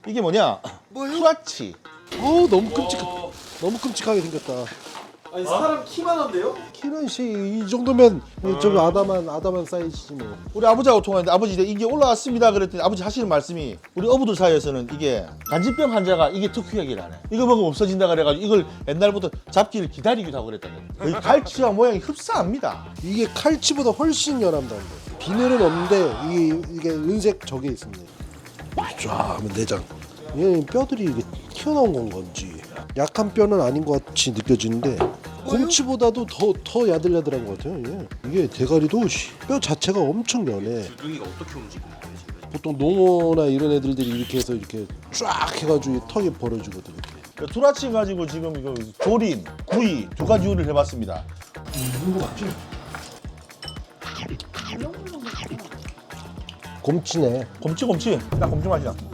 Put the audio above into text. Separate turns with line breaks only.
이게 뭐냐? 투라치.
어우 너무 끔찍하게 생겼다.
아니 사람 키만 한데요?
키는 이 정도면 좀 아담한 사이즈지 뭐.
우리 아버지하고 통화했는데 아버지 이게 올라왔습니다 그랬더니 아버지 하시는 말씀이 우리 어부들 사이에서는 이게 간질병 환자가 이게 특효약이라 하네. 이거 먹으면 없어진다 그래가지고 이걸 옛날부터 잡기를 기다리기도 하고 그랬다는 거예요. 이 갈치와 모양이 흡사합니다.
이게 칼치보다 훨씬 연합다는 거. 비늘은 없는데 이게 은색 저게 있습니다. 쫙 하면 내장. 얘 뼈들이 이게 튀어나온 건 건지 약한 뼈는 아닌 것 같이 느껴지는데 곰치보다도 더 야들야들한 것 같아요. 이게 대가리도 뼈 자체가 엄청 연해.
줄둥이가 어떻게 움직이는 거예요 지금?
보통 농어나 이런 애들이 이렇게 해서 이렇게 쫙 해가지고 턱이 벌어지거든. 이렇게.
투라치 가지고 지금 이거 조림, 구이 두 가지 요리를 해봤습니다.
곰치네.
곰치 딱 곰치 맛이야.